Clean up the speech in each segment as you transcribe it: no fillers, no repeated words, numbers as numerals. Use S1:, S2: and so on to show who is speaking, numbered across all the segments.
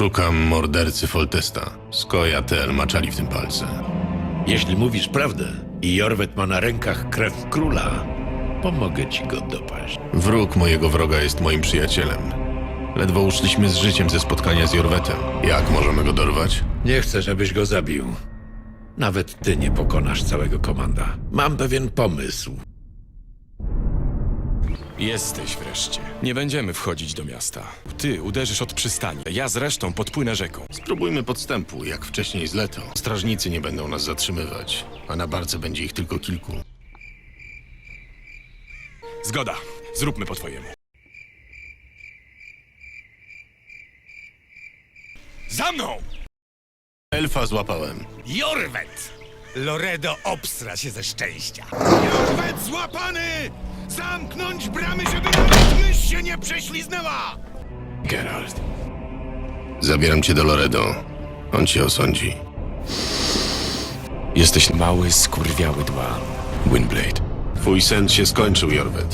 S1: Szukam mordercy Foltesta. Skojatel maczali w tym palce.
S2: Jeśli mówisz prawdę i Jorwet ma na rękach krew króla, pomogę ci go dopaść.
S1: Wróg mojego wroga jest moim przyjacielem. Ledwo uszliśmy z życiem ze spotkania z Jorwetem. Jak możemy go dorwać?
S2: Nie chcę, żebyś go zabił. Nawet ty nie pokonasz całego komanda. Mam pewien pomysł.
S3: Jesteś wreszcie. Nie będziemy wchodzić do miasta. Ty uderzysz od przystani, ja z resztą podpłynę rzeką.
S1: Spróbujmy podstępu, jak wcześniej z Leto. Strażnicy nie będą nas zatrzymywać, a na barce będzie ich tylko kilku.
S3: Zgoda. Zróbmy po twojemu. Za mną!
S1: Elfa złapałem.
S4: Jorwet! Loredo obstra się ze szczęścia.
S5: Jorwet złapany! Zamknąć bramy, żeby nawet mysz się nie prześliznęła!
S3: Geralt.
S1: Zabieram cię do Loredo. On cię osądzi.
S3: Jesteś mały, skurwiały dłan. Windblade.
S1: Twój sen się skończył, Jorwet.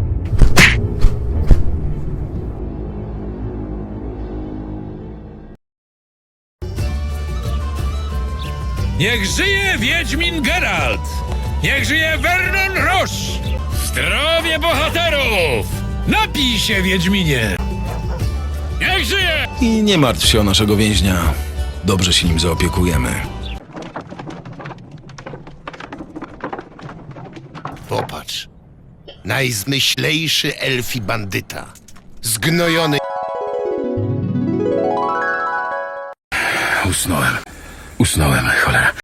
S6: Niech żyje Wiedźmin Geralt! Niech żyje Vernon Roche! Zdrowie bohaterów! Napij się, Wiedźminie! Niech żyje!
S7: I nie martw się o naszego więźnia. Dobrze się nim zaopiekujemy.
S5: Popatrz. Najzmyślejszy elfi bandyta. Zgnojony.
S7: Usnąłem, cholera.